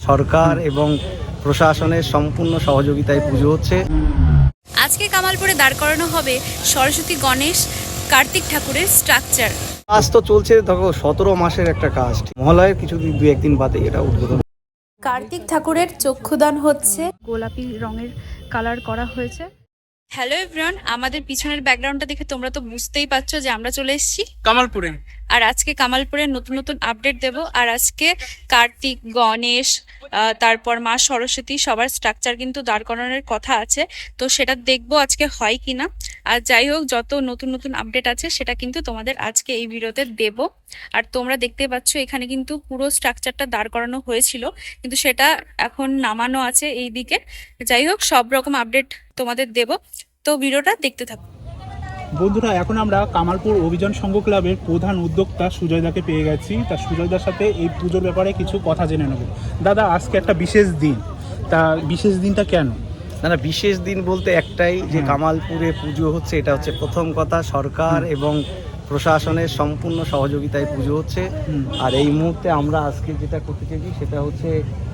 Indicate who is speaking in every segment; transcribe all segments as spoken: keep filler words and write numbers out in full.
Speaker 1: সরকার এবং প্রশাসনের সম্পূর্ণ সহযোগিতায় পুজো হচ্ছে।
Speaker 2: আজকে কামালপুরে দাঁড় করানো হবে সরস্বতী গণেশ কার্তিক ঠাকুরের স্ট্রাকচার।
Speaker 1: কাজ তো চলছে, দেখো সতেরো মাসের একটা কাজ। মহালয়ের কিছু দু একদিন বাদে এটা উদ্বোধন।
Speaker 2: কার্তিক ঠাকুরের চক্ষুদান হচ্ছে, গোলাপি রঙের কালার করা হয়েছে। হ্যালো এভরিওয়ান, আমাদের পিছনের ব্যাকগ্রাউন্ডটা দেখে তোমরা তো বুঝতেই পারছো যে আমরা চলে এসেছি
Speaker 3: কামালপুরে।
Speaker 2: আর আজকে কামালপুরের নতুন নতুন আপডেট দেব। আর আজকে কার্তিক, গণেশ, তারপর মা সরস্বতী সবার স্ট্রাকচার কিন্তু দাঁড় করানোর কথা আছে, তো সেটা দেখবো আজকে হয় কিনা। আর যাই হোক, যত নতুন নতুন আপডেট আছে সেটা কিন্তু তোমাদের আজকে এই ভিডিওতে দেব। আর তোমরা দেখতে পাচ্ছ এখানে কিন্তু পুরো স্ট্রাকচারটা দাঁড় করানো হয়েছিল, কিন্তু সেটা এখন নামানো আছে এই দিকে। যাই হোক, সব রকম আপডেট তোমাদের দেব, তো ভিডিওটা দেখতে থাকো।
Speaker 3: বন্ধুরা, এখন আমরা কামালপুর অভিযান সংঘ ক্লাবের প্রধান উদ্যোক্তা সুজয়দাকে পেয়ে গেছি। তা সুজয়দার সাথে এই পুজোর ব্যাপারে কিছু কথা জেনে নেব। দাদা, আজকে একটা বিশেষ দিন, তা বিশেষ দিনটা কেন?
Speaker 1: না না, বিশেষ দিন বলতে একটাই, যে কামালপুরে পুজো হচ্ছে। এটা হচ্ছে প্রথম কথা, সরকার এবং প্রশাসনের সম্পূর্ণ সহযোগিতায় পুজো হচ্ছে। আর এই মুহূর্তে আমরা আজকে যেটা করতে চাইছি সেটা হচ্ছে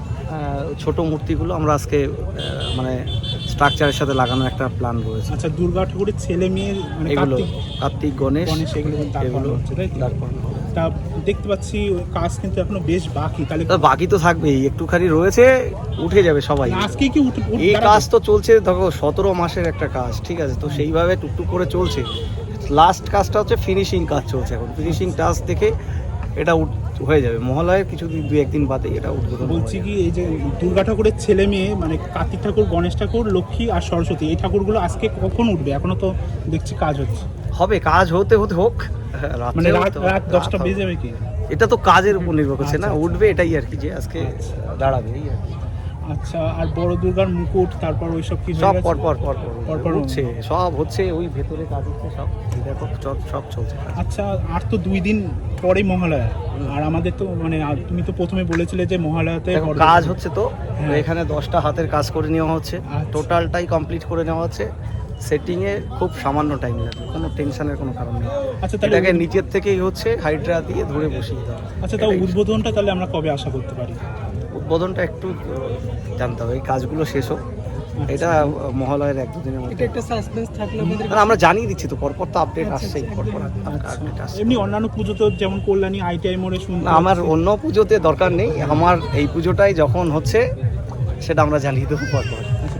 Speaker 1: ছোট মূর্তিগুলো আমরা আজকে মানে স্ট্রাকচারের সাথে লাগানোর একটা প্ল্যান রয়েছে।
Speaker 3: আচ্ছা, দুর্গা ঠাকুরের ছেলে মেয়ে মানে
Speaker 1: এগুলো
Speaker 3: কার্তিক,
Speaker 1: কার্তিক গণেশ
Speaker 3: এগুলো
Speaker 1: এগুলো দাঁড় করানো হবে।
Speaker 3: তা দেখতে পাচ্ছি ওই কাজ কিন্তু এখনো বেশ বাকি। তাহলে
Speaker 1: তো বাকি তো থাকবেই, একটুখানি রয়েছে, উঠে যাবে সবাই।
Speaker 3: আজকে কি উঠে
Speaker 1: এই কাজ তো চলছে, দেখো সতেরো মাসের একটা কাজ, ঠিক আছে? তো সেইভাবে টুকটুক করে চলছে। লাস্ট কাজটা হচ্ছে ফিনিশিং কাজ চলছে এখন। ফিনিশিং টাচ দেখে এটা হয়ে যাবে মহালয়ের কিছু দু একদিন বাদে এটা উদ্বোধন।
Speaker 3: বলছি কি, এই যে দুর্গা ঠাকুরের ছেলে মেয়ে মানে কার্তিক ঠাকুর, গণেশ ঠাকুর, লক্ষ্মী আর সরস্বতী, এই ঠাকুরগুলো আজকে কখন উঠবে? এখনো তো দেখছি কাজ হচ্ছে।
Speaker 1: হবে, কাজ হতে হতে হোক,
Speaker 3: মানে রাত রাত দশটা বেজে যাবে কি?
Speaker 1: এটা তো কাজের উপর নির্ভর করছে না, উঠবে এটাই আর কি, যে আজকে দাঁড়াবে এই আর কি।
Speaker 3: আচ্ছা, আর বড় দুর্গার মুকুট, তারপর ওইসব কি
Speaker 1: সব পর পর পর
Speaker 3: পর পর
Speaker 1: হচ্ছে, সব হচ্ছে, ওই ভেতরে কাজ হচ্ছে সব, দেখো সব সব চলছে।
Speaker 3: আচ্ছা, আর তো দুই দিন পরেই মহালয়া, আর আমাদের তো মানে তুমি তো প্রথমে বলেছিলে যে মহালয়াতে
Speaker 1: কাজ হচ্ছে, তো এখানে দশটা হাতের কাজ করে নেওয়া হচ্ছে, টোটালটাই কমপ্লিট করে নেওয়া হচ্ছে। সেটিং এ খুব সামান্য টাইম লাগবে, কোনো টেনশনের কোনো কারণ নেই।
Speaker 3: আচ্ছা, তাহলে
Speaker 1: এটাকে নিচের থেকেই হচ্ছে হাইড্রা দিয়ে ধরে বসিয়ে দেওয়া।
Speaker 3: আচ্ছা, তাও উদ্বোধনটা তাহলে আমরা কবে আশা করতে পারি?
Speaker 1: উদ্বোধনটা একটু জানতে হবে, এই কাজগুলো শেষ হোক। এটা মহালয়ের এক দুদিনের মধ্যে
Speaker 3: একটা সাসপেন্স থাকলে
Speaker 1: আমরা জানিয়ে দিচ্ছি, তো পরপর তো আপডেট আসছেই, পরপর আপডেট আসছে।
Speaker 3: এমনি অন্যান্য পুজো তো যেমন কল্যাণী, আইটিআই মোড়ে শুনতে,
Speaker 1: আমার অন্য পুজোতে দরকার নেই, আমার এই পুজোটাই যখন হচ্ছে সেটা আমরা জানিয়ে দেবো পরপর।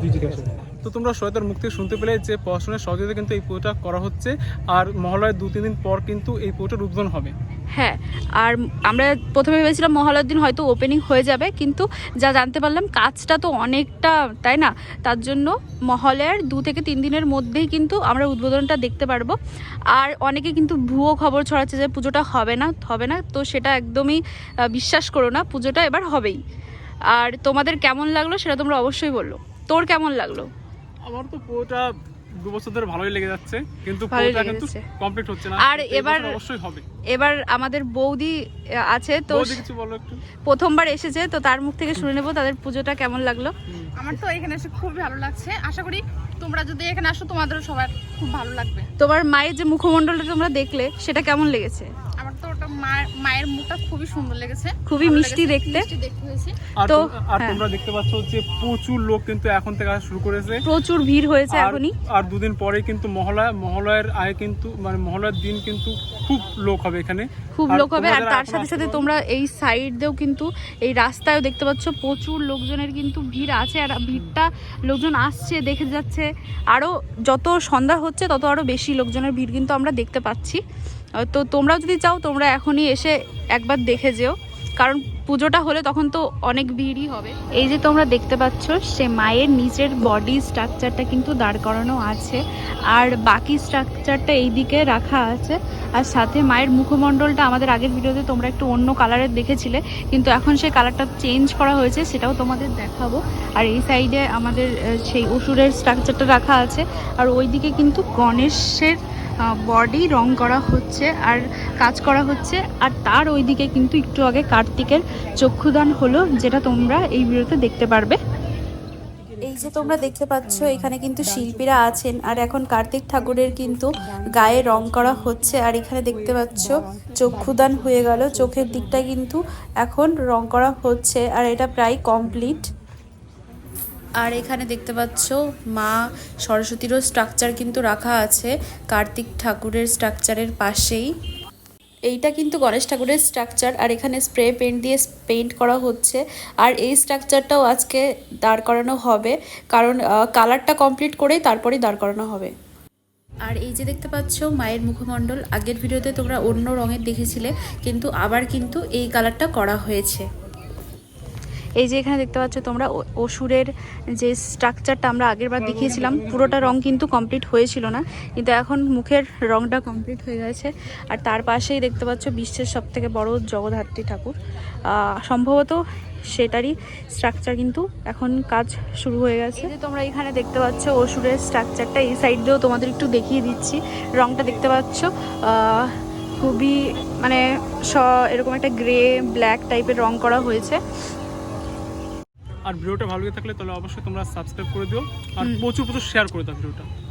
Speaker 4: তো তোমরা সহায়তার মুখ থেকে শুনতে পেলে যে পড়াশোনার সহযোগিতা কিন্তু এই পুজোটা করা হচ্ছে, আর মহালয়ের দু তিন দিন পর কিন্তু এই পুজোটার উদ্বোধন হবে।
Speaker 2: হ্যাঁ, আর আমরা প্রথমে ভেবেছিলাম মহালয়ার দিন হয়তো ওপেনিং হয়ে যাবে, কিন্তু যা জানতে পারলাম কাজটা তো অনেকটা, তাই না? তার জন্য মহালয়ার দু থেকে তিন দিনের মধ্যেই কিন্তু আমরা উদ্বোধনটা দেখতে পারবো। আর অনেকে কিন্তু ভুয়ো খবর ছড়াচ্ছে যে পুজোটা হবে না হবে না, তো সেটা একদমই বিশ্বাস করো না, পুজোটা এবার হবেই। আর তোমাদের কেমন লাগলো সেটা তোমরা অবশ্যই বললো। তোর কেমন লাগলো?
Speaker 4: আমার তো পুরোটা দু বছর ধরে ভালোই লেগে যাচ্ছে, কিন্তু পুরোটা কিন্তু কমপ্লিট হচ্ছে না।
Speaker 2: আর এবার
Speaker 4: অবশ্যই হবে।
Speaker 2: এবার আমাদের বৌদি আছে, তো
Speaker 4: কিছু বলো একটু।
Speaker 2: প্রথমবার এসেছে, তো তার মুখ থেকে শুনে নেবো তাদের পুজোটা কেমন লাগলো।
Speaker 5: আমার তো এখানে এসে খুবই ভালো লাগছে, আশা করি তোমরা যদি এখানে আসো তোমাদেরও সবার খুব ভালো লাগবে।
Speaker 2: তোমার মায়ের যে মুখমণ্ডলটা তোমরা দেখলে সেটা কেমন লেগেছে?
Speaker 5: আমার তো ওটা মায়ের মায়ের মুখটা খুবই সুন্দর লেগেছে,
Speaker 2: খুবই মিষ্টি দেখতে।
Speaker 4: তো আর তোমরা দেখতে পাচ্ছ যে প্রচুর লোক কিন্তু এখন থেকে আসা শুরু করেছে,
Speaker 2: প্রচুর ভিড় হয়েছে এখনই।
Speaker 4: আর দুদিন পরে কিন্তু মহালয়া, মহালয়ার আগে কিন্তু মানে মহালয়ার দিন কিন্তু খুব লোক হবে এখানে,
Speaker 2: খুব লোক হবে। আর তার সাথে সাথে তোমরা এই সাইড দিয়েও কিন্তু এই রাস্তায়ও দেখতে পাচ্ছ প্রচুর লোকজনের কিন্তু ভিড় আছে, আর ভিড়টা লোকজন আসছে, দেখে যাচ্ছে। আরও যত সন্ধ্যা হচ্ছে তত আরও বেশি লোকজনের ভিড় কিন্তু আমরা দেখতে পাচ্ছি। তো তোমরাও যদি চাও তোমরা এখনই এসে একবার দেখে যেও, কারণ পুজোটা হলে তখন তো অনেক ভিড়ই হবে। এই যে তোমরা দেখতে পাচ্ছ সে মায়ের নিচের বডি স্ট্রাকচারটা কিন্তু দাঁড় করানো আছে, আর বাকি স্ট্রাকচারটা এই দিকে রাখা আছে। আর সাথে মায়ের মুখমণ্ডলটা আমাদের আগের ভিডিওতে তোমরা একটু অন্য কালারের দেখেছিলে, কিন্তু এখন সেই কালারটা চেঞ্জ করা হয়েছে, সেটাও তোমাদের দেখাবো। আর এই সাইডে আমাদের সেই অসুরের স্ট্রাকচারটা রাখা আছে, আর ওই দিকে কিন্তু গণেশের বডি রং করা হচ্ছে আর কাজ করা হচ্ছে। আর তার ওইদিকে কিন্তু একটু আগে কার্তিকের চক্ষুদান হলো, যেটা তোমরা এই ভিডিওতে দেখতে পারবে। এই যে তোমরা দেখতে পাচ্ছ এখানে কিন্তু শিল্পীরা আছেন, আর এখন কার্তিক ঠাকুরের কিন্তু গায়ে রং করা হচ্ছে। আর এখানে দেখতে পাচ্ছ চক্ষুদান হয়ে গেল, চোখের দিকটা কিন্তু এখন রং করা হচ্ছে, আর এটা প্রায় কমপ্লিট। আর এখানে দেখতে পাচ্ছ মা সরস্বতীরও স্ট্রাকচার কিন্তু রাখা আছে কার্তিক ঠাকুরের স্ট্রাকচারের পাশেই। এইটা কিন্তু গণেশ ঠাকুরের স্ট্রাকচার, আর এখানে স্প্রে পেইন্ট দিয়ে পেইন্ট করা হচ্ছে। আর এই স্ট্রাকচারটাও আজকে দাঁড় করানো হবে, কারণ কালারটা কমপ্লিট করেই তারপরেই দাঁড় করানো হবে। আর এই যে দেখতে পাচ্ছ মায়ের মুখমণ্ডল, আগের ভিডিওতে তোমরা অন্য রঙের দেখেছিলে, কিন্তু আবার কিন্তু এই কালারটা করা হয়েছে। এই যে এখানে দেখতে পাচ্ছ তোমরা অসুরের যে স্ট্রাকচারটা আমরা আগের বার দেখিয়েছিলাম, পুরোটা রং কিন্তু কমপ্লিট হয়েছিল না, কিন্তু এখন মুখের রংটা কমপ্লিট হয়ে গেছে। আর তার পাশেই দেখতে পাচ্ছ বিশ্বের সব থেকে বড় জগদ্ধাত্রী ঠাকুর, সম্ভবত সেটারই স্ট্রাকচার কিন্তু এখন কাজ শুরু হয়ে গেছে। এই যে তোমরা এখানে দেখতে পাচ্ছ অসুরের স্ট্রাকচারটা, এই সাইড দিয়েও তোমাদের একটু দেখিয়ে দিচ্ছি। রংটা দেখতে পাচ্ছ খুবই মানে স এরকম একটা গ্রে ব্ল্যাক টাইপের রং করা হয়েছে।
Speaker 4: আর ভিডিওটা ভালো লেগে থাকলে তাহলে অবশ্যই তোমরা সাবস্ক্রাইব করে দিও, আর প্রচুর প্রচুর শেয়ার করে দাও ভিডিওটা।